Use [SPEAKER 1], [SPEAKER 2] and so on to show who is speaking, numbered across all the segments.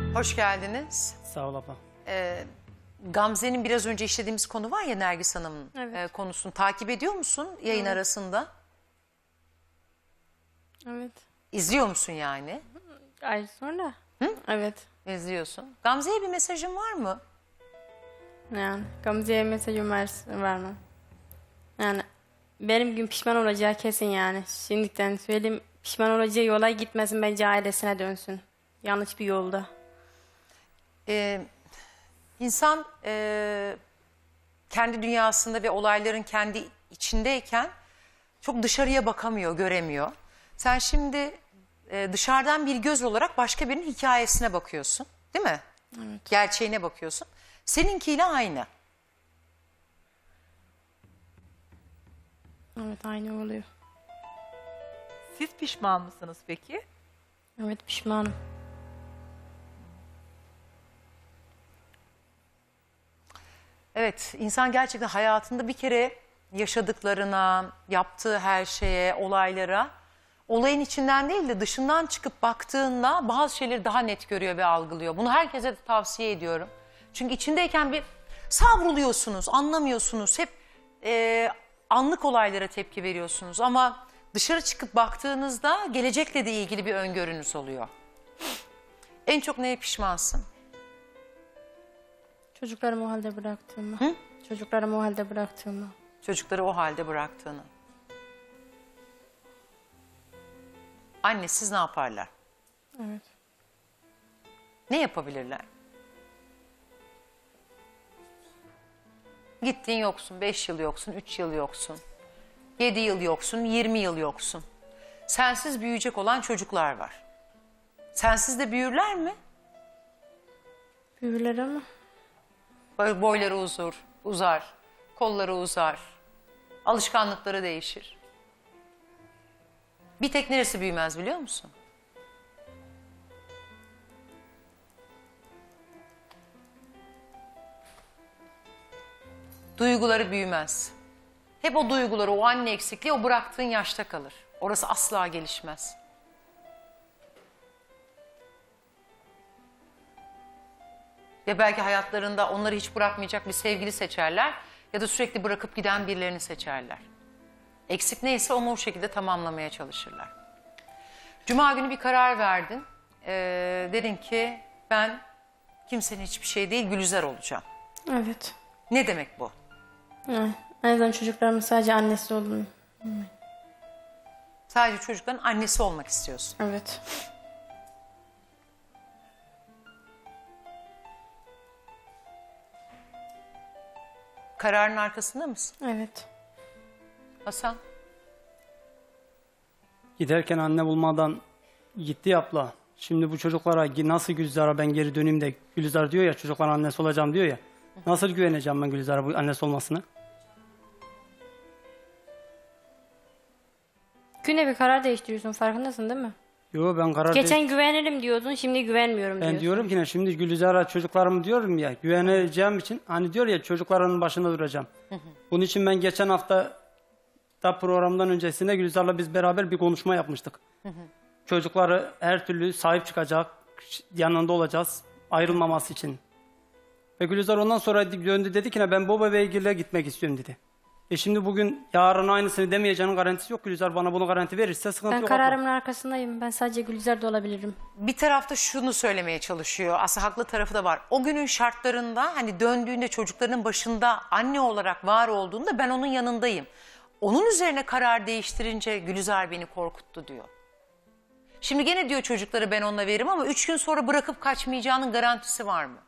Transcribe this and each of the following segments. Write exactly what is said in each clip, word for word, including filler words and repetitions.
[SPEAKER 1] Hoş geldiniz.
[SPEAKER 2] Sağ ol abla.
[SPEAKER 1] Ee, Gamze'nin biraz önce işlediğimiz konu var ya, Nergis Hanım'ın
[SPEAKER 3] Evet.
[SPEAKER 1] e, konusunu takip ediyor musun yayın
[SPEAKER 3] Evet.
[SPEAKER 1] arasında?
[SPEAKER 3] Evet.
[SPEAKER 1] İzliyor musun yani?
[SPEAKER 3] Ay sonra. Hı? Evet.
[SPEAKER 1] İzliyorsun. Gamze'ye bir mesajın var mı?
[SPEAKER 3] Yani Gamze'ye mesajım var, var mı? Yani benim gün pişman olacağı kesin yani. Şimdiden söyleyeyim, pişman olacağı yola gitmesin, bence ailesine dönsün. Yanlış bir yolda.
[SPEAKER 1] Ee, insan e, kendi dünyasında ve olayların kendi içindeyken çok dışarıya bakamıyor, göremiyor. Sen şimdi e, dışarıdan bir göz olarak başka birinin hikayesine bakıyorsun, değil mi?
[SPEAKER 3] Evet.
[SPEAKER 1] Gerçeğine bakıyorsun. Seninkiyle aynı.
[SPEAKER 3] Evet, aynı oluyor.
[SPEAKER 4] Siz pişman mısınız peki?
[SPEAKER 3] Evet, pişmanım.
[SPEAKER 1] Evet, insan gerçekten hayatında bir kere yaşadıklarına, yaptığı her şeye, olaylara, olayın içinden değil de dışından çıkıp baktığında bazı şeyleri daha net görüyor ve algılıyor. Bunu herkese de tavsiye ediyorum. Çünkü içindeyken bir savruluyorsunuz, anlamıyorsunuz. Hep e, anlık olaylara tepki veriyorsunuz. Ama dışarı çıkıp baktığınızda gelecekle de ilgili bir öngörünüz oluyor. En çok neye pişmansın?
[SPEAKER 3] Çocuklarımı o halde bıraktığımı.
[SPEAKER 1] Hı?
[SPEAKER 3] Çocuklarımı o halde bıraktığımı.
[SPEAKER 1] Çocukları o halde bıraktığını. Annesiz ne yaparlar?
[SPEAKER 3] Evet.
[SPEAKER 1] Ne yapabilirler? Gittin yoksun, beş yıl yoksun, üç yıl yoksun. Yedi yıl yoksun, yirmi yıl yoksun. Sensiz büyüyecek olan çocuklar var. Sensiz de büyürler mi?
[SPEAKER 3] Büyüler ama.
[SPEAKER 1] Böyle boyları uzur, uzar, kolları uzar. Alışkanlıkları değişir. Bir tek neresi büyümez biliyor musun? Duyguları büyümez. Hep o duyguları, o anne eksikliği o bıraktığın yaşta kalır. Orası asla gelişmez. Ya belki hayatlarında onları hiç bırakmayacak bir sevgili seçerler ya da sürekli bırakıp giden birilerini seçerler. Eksik neyse onu o şekilde tamamlamaya çalışırlar. Cuma günü bir karar verdin. Ee, dedin ki ben kimsenin hiçbir şey değil Gülizar olacağım.
[SPEAKER 3] Evet.
[SPEAKER 1] Ne demek bu?
[SPEAKER 3] Yani, en azından çocuklarımın sadece annesi olduğunu.
[SPEAKER 1] Sadece çocukların annesi olmak istiyorsun.
[SPEAKER 3] Evet.
[SPEAKER 1] Kararın arkasında mısın
[SPEAKER 3] Evet.
[SPEAKER 1] Hasan?
[SPEAKER 2] Giderken anne bulmadan gitti ya abla. Şimdi bu çocuklara nasıl Gülizar'a ben geri döneyim de Gülizar diyor ya çocukların annesi olacağım diyor ya. Nasıl güveneceğim ben Gülizar'a bu annesi olmasına?
[SPEAKER 3] Günde bir karar değiştiriyorsun, farkındasın değil mi?
[SPEAKER 2] Yo ben karar
[SPEAKER 3] Geçen
[SPEAKER 2] değil-
[SPEAKER 3] güvenirim diyordun, şimdi güvenmiyorum diyorsun.
[SPEAKER 2] Ben diyorum ki ne şimdi Gülizar'a çocuklarımı diyorum ya güveneceğim için hani diyor ya çocukların başında duracağım. Bunun için ben geçen hafta da programdan öncesinde Gülizar'la biz beraber bir konuşma yapmıştık. Çocukları her türlü sahip çıkacak, yanında olacağız ayrılmaması için. Ve Gülizar ondan sonra döndü dedi ki ne ben baba beygirle gitmek istiyorum dedi. E şimdi bugün yarın aynısını demeyeceğinin garantisi yok. Gülizar bana bunu garanti verirse sıkıntı
[SPEAKER 3] Ben
[SPEAKER 2] yok.
[SPEAKER 3] kararımın arkasındayım. Ben sadece Gülizar'da olabilirim.
[SPEAKER 1] Bir tarafta şunu söylemeye çalışıyor. Aslında haklı tarafı da var. O günün şartlarında hani döndüğünde çocuklarının başında anne olarak var olduğunda ben onun yanındayım. Onun üzerine karar değiştirince Gülizar beni korkuttu diyor. Şimdi gene diyor çocukları ben onunla veririm ama üç gün sonra bırakıp kaçmayacağının garantisi var mı?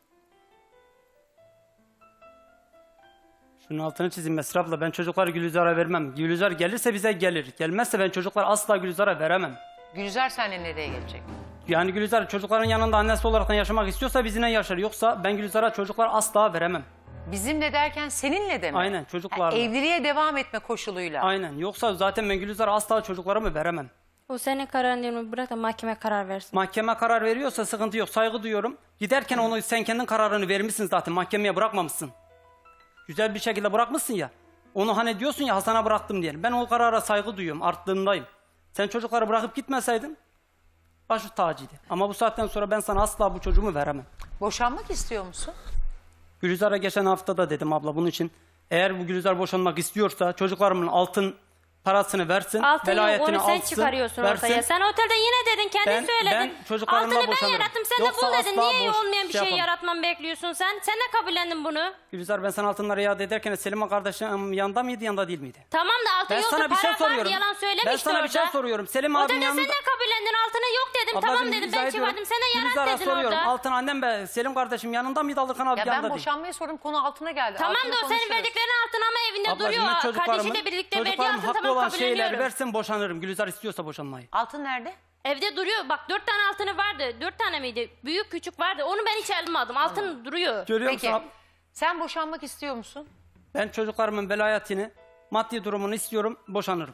[SPEAKER 2] Şunun altını çizeyim Mesra abla. Ben çocukları Gülizar'a vermem. Gülizar gelirse bize gelir. Gelmezse ben çocukları asla Gülizar'a veremem.
[SPEAKER 1] Gülizar seninle nereye gelecek?
[SPEAKER 2] Yani Gülizar çocukların yanında annesi olarak yaşamak istiyorsa bizimle yaşar. Yoksa ben Gülizar'a çocuklar asla veremem.
[SPEAKER 1] Bizimle derken seninle de mi?
[SPEAKER 2] Aynen, çocuklarla.
[SPEAKER 1] Ha, evliliğe devam etme koşuluyla.
[SPEAKER 2] Aynen. Yoksa zaten ben Gülizar'a asla çocuklarımı veremem.
[SPEAKER 3] O senin kararın değil mi? Bırak da mahkeme karar versin.
[SPEAKER 2] Mahkeme karar veriyorsa sıkıntı yok. Saygı duyuyorum. Giderken onu sen kendin kararını vermişsin zaten. Mahkemeye bırakmamışsın. Güzel bir şekilde bırakmışsın ya. Onu hani diyorsun ya Hasan'a bıraktım diye. Ben o karara saygı duyuyorum. Arttığındayım. Sen çocukları bırakıp gitmeseydin başı tacıydı. Ama bu saatten sonra ben sana asla bu çocuğumu veremem.
[SPEAKER 1] Boşanmak istiyor musun?
[SPEAKER 2] Gülizar'a geçen hafta da dedim abla bunun için. Eğer bu Gülizar boşanmak istiyorsa çocuklarımın altın parasını versin,
[SPEAKER 3] Altın yok,
[SPEAKER 2] velayetini
[SPEAKER 3] onu sen
[SPEAKER 2] alsın,
[SPEAKER 3] çıkarıyorsun
[SPEAKER 2] versin.
[SPEAKER 3] ortaya. Sen otelde yine dedin, kendin
[SPEAKER 2] Ben-
[SPEAKER 3] söyledin.
[SPEAKER 2] ben çocuklarımla
[SPEAKER 3] Altını ben
[SPEAKER 2] boşanırım.
[SPEAKER 3] yarattım, sen
[SPEAKER 2] Yoksa
[SPEAKER 3] de bul dedin.
[SPEAKER 2] asla
[SPEAKER 3] Niye
[SPEAKER 2] boş-
[SPEAKER 3] olmayan bir
[SPEAKER 2] şey
[SPEAKER 3] şey
[SPEAKER 2] yapamam.
[SPEAKER 3] yaratmamı bekliyorsun sen? Sen de kabullendin bunu.
[SPEAKER 2] Gülizar ben sana altınları iade ederken Selim'in kardeşim yanında mıydı yanında değil miydi?
[SPEAKER 3] Tamam da altın
[SPEAKER 2] Ben
[SPEAKER 3] yoktu,
[SPEAKER 2] sana bir şey
[SPEAKER 3] para vardı,
[SPEAKER 2] soruyorum.
[SPEAKER 3] yalan söylemişti
[SPEAKER 2] Ben sana
[SPEAKER 3] orada.
[SPEAKER 2] bir şey soruyorum. Selim abinin
[SPEAKER 3] Otelde
[SPEAKER 2] yanında...
[SPEAKER 3] sen de kabullendin, altını yok dedim.
[SPEAKER 2] Ablacığım,
[SPEAKER 3] Tamam dedim,
[SPEAKER 2] izah
[SPEAKER 3] ben
[SPEAKER 2] ediyorum.
[SPEAKER 3] çıkardım. Sen de yarat
[SPEAKER 2] Gülizar'a
[SPEAKER 3] dedin
[SPEAKER 2] soruyorum.
[SPEAKER 3] orada.
[SPEAKER 2] Altın annem be Selim kardeşim yanında mıydı alırken abi
[SPEAKER 1] Ya
[SPEAKER 2] yanında
[SPEAKER 1] ben
[SPEAKER 2] değil.
[SPEAKER 1] boşanmayı sordum, konu altına geldi.
[SPEAKER 3] Tamam
[SPEAKER 1] Altını
[SPEAKER 3] da o senin
[SPEAKER 1] konuşuruz.
[SPEAKER 3] verdiklerin altın ama evinde
[SPEAKER 2] Ablacığım,
[SPEAKER 3] duruyor.
[SPEAKER 2] ben çocuklarımın,
[SPEAKER 3] Kardeşiyle birlikte verdiği
[SPEAKER 2] çocuklarım
[SPEAKER 3] altın,
[SPEAKER 2] haklı
[SPEAKER 3] tamam
[SPEAKER 2] olan şeyleri
[SPEAKER 3] kabulleniyorum.
[SPEAKER 2] versin boşanırım. Gülizar istiyorsa boşanmayı.
[SPEAKER 1] Altın nerede?
[SPEAKER 3] Evde duruyor. Bak dört tane altını vardı. Dört tane miydi? Büyük küçük vardı. Onu ben hiç almadım. Altın duruyor.
[SPEAKER 2] Görüyor
[SPEAKER 1] Peki
[SPEAKER 2] musun?
[SPEAKER 1] sen boşanmak istiyor musun?
[SPEAKER 2] Ben çocuklarımın velayetini, maddi durumunu istiyorum, boşanırım.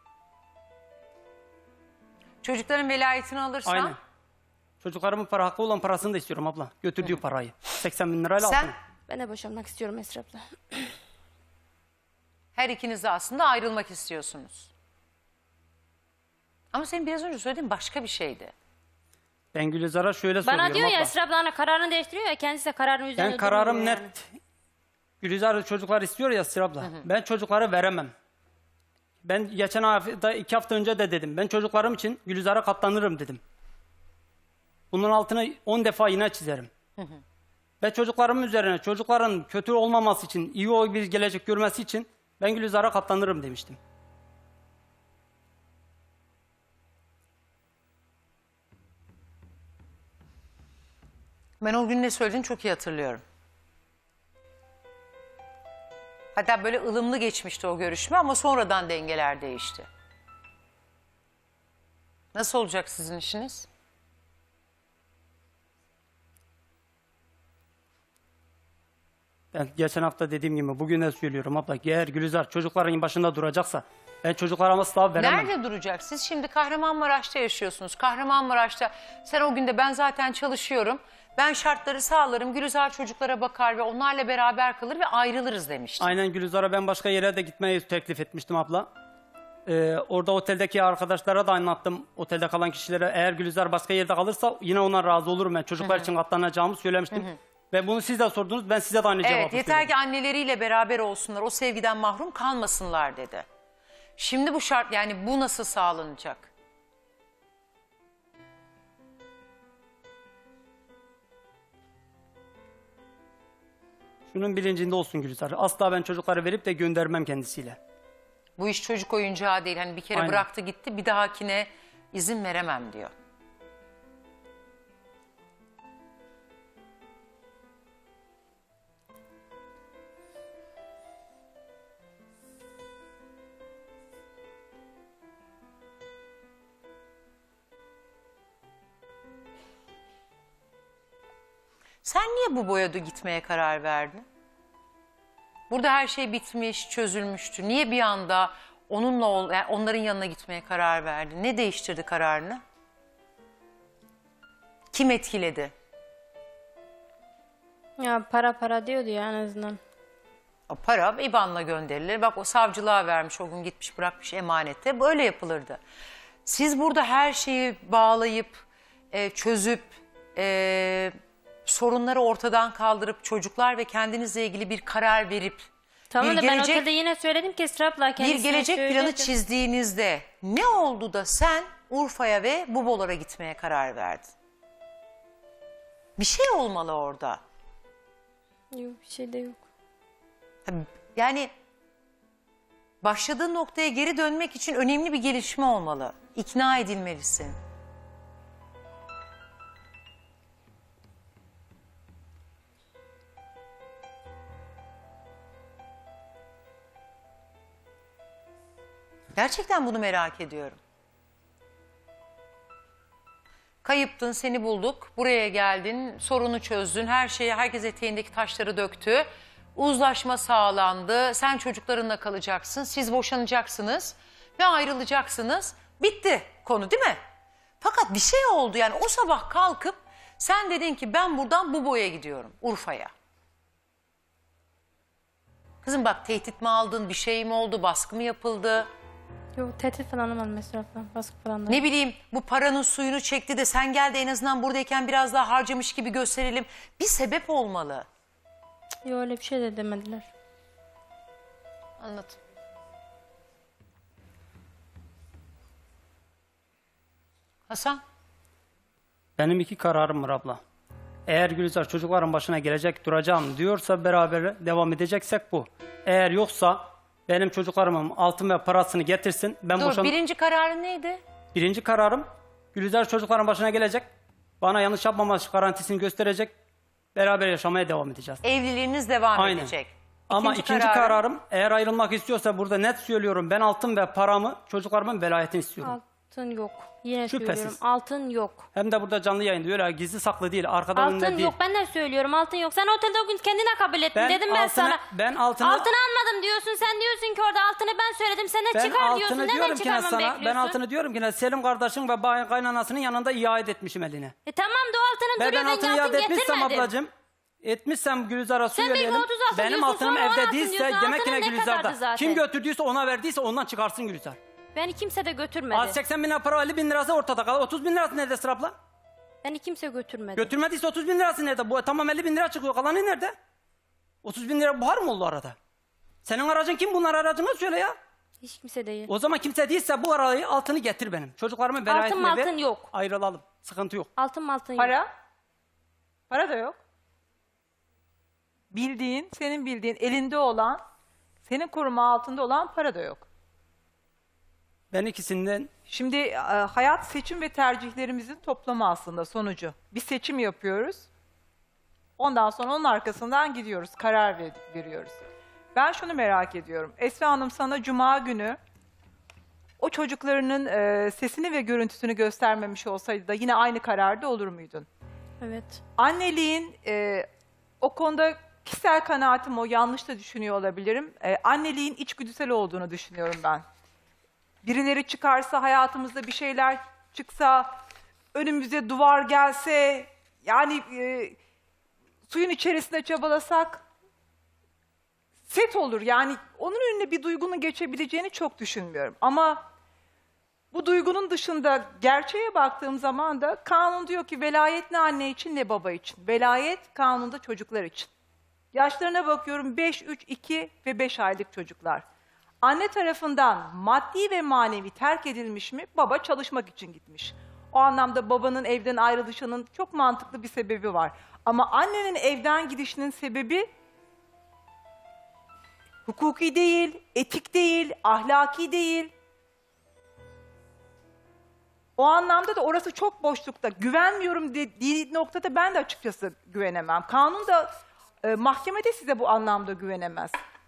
[SPEAKER 1] Çocukların velayetini alırsan
[SPEAKER 2] Aynen. Çocuklarımın para hakkı olan parasını da istiyorum abla. Götürdüğü parayı. seksen bin lirayla
[SPEAKER 1] sen
[SPEAKER 2] altını.
[SPEAKER 3] Ben de boşanmak istiyorum Esra abla.
[SPEAKER 1] her ikiniz de aslında ayrılmak istiyorsunuz. Ama senin biraz önce söylediğin başka bir şeydi.
[SPEAKER 2] Ben Gülizar'a şöyle soruyorum
[SPEAKER 3] Bana diyor ya
[SPEAKER 2] abla.
[SPEAKER 3] Esra abla hani kararını değiştiriyor ya, kendisi de kararın üzerine
[SPEAKER 2] Ben kararım
[SPEAKER 3] durmuyor
[SPEAKER 2] net.
[SPEAKER 3] yani.
[SPEAKER 2] Gülizar çocuklar istiyor ya Esra abla. Ben çocuklara veremem. Ben geçen hafta, iki hafta önce de dedim. Ben çocuklarım için Gülizar'a katlanırım dedim. Bunun altını on defa yine çizerim. Ve çocuklarımın üzerine çocukların kötü olmaması için, iyi o bir gelecek görmesi için ben Gülizar'a katlanırım demiştim.
[SPEAKER 1] Ben o gün ne söylediğini çok iyi hatırlıyorum. Hatta böyle ılımlı geçmişti o görüşme ama sonradan dengeler değişti. Nasıl olacak sizin işiniz?
[SPEAKER 2] Ben geçen hafta dediğim gibi bugün de söylüyorum abla. Eğer Gülizar çocukların başında duracaksa ben çocuklarıma asla veremem.
[SPEAKER 1] Nerede duracak? Siz şimdi Kahramanmaraş'ta yaşıyorsunuz. Kahramanmaraş'ta sen o günde ben zaten çalışıyorum. Ben şartları sağlarım. Gülizar çocuklara bakar ve onlarla beraber kalır ve ayrılırız demiştin.
[SPEAKER 2] Aynen Gülizar'a ben başka yere de gitmeyi teklif etmiştim abla. Ee, orada oteldeki arkadaşlara da anlattım. Otelde kalan kişilere eğer Gülizar başka yerde kalırsa yine ona razı olurum ben. Çocuklar için katlanacağımı söylemiştim. Ve bunu siz de sordunuz. Ben size de aynı cevabı
[SPEAKER 1] Evet, yeter
[SPEAKER 2] söyledim.
[SPEAKER 1] ki anneleriyle beraber olsunlar. O sevgiden mahrum kalmasınlar dedi. Şimdi bu şart, yani bu nasıl sağlanacak?
[SPEAKER 2] Şunun bilincinde olsun Gülizar. Asla ben çocukları verip de göndermem kendisiyle.
[SPEAKER 1] Bu iş çocuk oyuncağı değil. Hani bir kere
[SPEAKER 2] Aynen.
[SPEAKER 1] bıraktı gitti, bir dahakine izin veremem diyor. Sen niye bu boyada gitmeye karar verdin? Burada her şey bitmiş, çözülmüştü. Niye bir anda onunla ol, yani onların yanına gitmeye karar verdin? Ne değiştirdi kararını? Kim etkiledi?
[SPEAKER 3] Ya para para diyordu ya en azından.
[SPEAKER 1] O para İ B A N'la gönderilir. Bak o savcılığa vermiş, o gün gitmiş bırakmış emanette. Böyle yapılırdı. Siz burada her şeyi bağlayıp, e, çözüp, e, sorunları ortadan kaldırıp, çocuklar ve kendinizle ilgili bir karar verip,
[SPEAKER 3] Tamam
[SPEAKER 1] bir
[SPEAKER 3] da ben
[SPEAKER 1] gelecek,
[SPEAKER 3] otelde yine söyledim ki Esra abla
[SPEAKER 1] bir
[SPEAKER 3] kendisine
[SPEAKER 1] gelecek planı
[SPEAKER 3] söyledi.
[SPEAKER 1] çizdiğinizde ne oldu da sen Urfa'ya ve Bubolar'a gitmeye karar verdin? Bir şey olmalı orada.
[SPEAKER 3] Yok bir şey de yok.
[SPEAKER 1] Yani başladığın noktaya geri dönmek için önemli bir gelişme olmalı. İkna edilmelisin. Gerçekten bunu merak ediyorum. Kayıptın, seni bulduk. Buraya geldin, sorunu çözdün. Her şeyi, herkes eteğindeki taşları döktü. Uzlaşma sağlandı. Sen çocuklarınla kalacaksın. Siz boşanacaksınız ve ayrılacaksınız. Bitti konu, değil mi? Fakat bir şey oldu, yani o sabah kalkıp sen dedin ki ben buradan Bubo'ya gidiyorum, Urfa'ya. Kızım bak, tehdit mi aldın, bir şey mi oldu, baskı mı yapıldı?
[SPEAKER 3] Yok tehdit falan olmadı mesela falan. Baskı falan da.
[SPEAKER 1] Ne bileyim bu paranın suyunu çekti de sen gel de en azından buradayken biraz daha harcamış gibi gösterelim. Bir sebep olmalı.
[SPEAKER 3] Yok öyle bir şey de demediler.
[SPEAKER 1] Anladım. Hasan?
[SPEAKER 2] Benim iki kararım var abla. Eğer Gülizar çocukların başına gelecek duracağım diyorsa beraber devam edeceksek bu. Eğer yoksa benim çocuklarımın altın ve parasını getirsin. Ben
[SPEAKER 1] Dur
[SPEAKER 2] boşan...
[SPEAKER 1] birinci kararın neydi?
[SPEAKER 2] Birinci kararım Gülizar çocukların başına gelecek. Bana yanlış yapmaması garantisini gösterecek. Beraber yaşamaya devam edeceğiz.
[SPEAKER 1] Evliliğiniz devam
[SPEAKER 2] Aynen.
[SPEAKER 1] edecek.
[SPEAKER 2] Ama
[SPEAKER 1] İkinci
[SPEAKER 2] ikinci
[SPEAKER 1] kararın-
[SPEAKER 2] kararım eğer ayrılmak istiyorsa burada net söylüyorum. Ben altın ve paramı çocuklarımın velayetini istiyorum.
[SPEAKER 3] Altın yok. Yine
[SPEAKER 2] Şüphesiz.
[SPEAKER 3] söylüyorum. Altın yok.
[SPEAKER 2] Hem de burada canlı yayında öyle gizli saklı değil. Arkada önünde
[SPEAKER 3] Altın
[SPEAKER 2] değil.
[SPEAKER 3] yok. Ben de söylüyorum. Altın yok. Sen otelde o gün kendine kabul ettin.
[SPEAKER 2] Ben
[SPEAKER 3] Dedim ben
[SPEAKER 2] altını-
[SPEAKER 3] sana.
[SPEAKER 2] ben altını-
[SPEAKER 3] Altını almadım diyorsun. Sen diyorsun ki orada altını ben söyledim. Sen de
[SPEAKER 2] Ben
[SPEAKER 3] çıkar diyorsun.
[SPEAKER 2] altını
[SPEAKER 3] Neden
[SPEAKER 2] diyorum ki ne
[SPEAKER 3] çıkarmamı
[SPEAKER 2] sana.
[SPEAKER 3] bekliyorsun?
[SPEAKER 2] Ben altını diyorum ki ne Selim kardeşin ve bay- kaynanasının yanında iade etmişim eline.
[SPEAKER 3] E tamam da o altının
[SPEAKER 2] Ve
[SPEAKER 3] duruyor.
[SPEAKER 2] ben altını
[SPEAKER 3] Ben altın
[SPEAKER 2] iade etmişsem
[SPEAKER 3] getirmedim.
[SPEAKER 2] ablacığım. Etmişsem Gülizar'a
[SPEAKER 3] Sen bir
[SPEAKER 2] söyleyelim.
[SPEAKER 3] otuz altı
[SPEAKER 2] Benim
[SPEAKER 3] diyorsun,
[SPEAKER 2] altınım
[SPEAKER 3] sonra on
[SPEAKER 2] evde
[SPEAKER 3] altı
[SPEAKER 2] değilse
[SPEAKER 3] diyorsun.
[SPEAKER 2] demek ki ne
[SPEAKER 3] Altının ne
[SPEAKER 2] Gülizar'da.
[SPEAKER 3] kadardı zaten?
[SPEAKER 2] Kim götürdüyse ona verdiyse ondan çıkarsın Gülizar.
[SPEAKER 3] Beni kimse de götürmedi.
[SPEAKER 2] Az seksen bin lira para elli bin lirası ortada kalır. otuz bin lirası nerede Sıra abla?
[SPEAKER 3] Beni kimse götürmedi.
[SPEAKER 2] Götürmediyse otuz bin lirası nerede? Bu tamam elli bin lira çıkıyor. Kalanı nerede? otuz bin lira buhar mı oldu arada? Senin aracın kim? Bunlar aracını söyle ya.
[SPEAKER 3] Hiç kimse değil.
[SPEAKER 2] O zaman kimse değilse bu arayı altını getir benim. Çocuklarımın velayetini ver.
[SPEAKER 3] altın yok.
[SPEAKER 2] Ayrılalım. Sıkıntı yok.
[SPEAKER 3] Altın altın yok.
[SPEAKER 4] Para? Para da yok. Bildiğin, senin bildiğin, elinde olan, senin koruma altında olan para da yok.
[SPEAKER 2] Ben ikisinden
[SPEAKER 4] Şimdi e, hayat seçim ve tercihlerimizin toplamı aslında sonucu. Bir seçim yapıyoruz. Ondan sonra onun arkasından gidiyoruz, karar ver- veriyoruz. Ben şunu merak ediyorum. Esra Hanım sana cuma günü o çocuklarının e, sesini ve görüntüsünü göstermemiş olsaydı da yine aynı kararda olur muydun?
[SPEAKER 3] Evet.
[SPEAKER 4] Anneliğin e, o konuda kişisel kanaatim o, yanlış da düşünüyor olabilirim. E, anneliğin içgüdüsel olduğunu düşünüyorum ben. Birileri çıkarsa, hayatımızda bir şeyler çıksa, önümüze duvar gelse, yani e, suyun içerisinde çabalasak set olur. Yani onun önüne bir duygunun geçebileceğini çok düşünmüyorum. Ama bu duygunun dışında gerçeğe baktığım zaman da kanun diyor ki velayet ne anne için ne baba için. Velayet kanunda çocuklar için. Yaşlarına bakıyorum beş, üç, iki ve beş aylık çocuklar. Anne tarafından maddi ve manevi terk edilmiş mi? Baba çalışmak için gitmiş. O anlamda babanın evden ayrılışının çok mantıklı bir sebebi var. Ama annenin evden gidişinin sebebi hukuki değil, etik değil, ahlaki değil. O anlamda da orası çok boşlukta. Güvenmiyorum dediği noktada ben de açıkçası güvenemem. Kanun da e, mahkemede size bu anlamda güvenemez.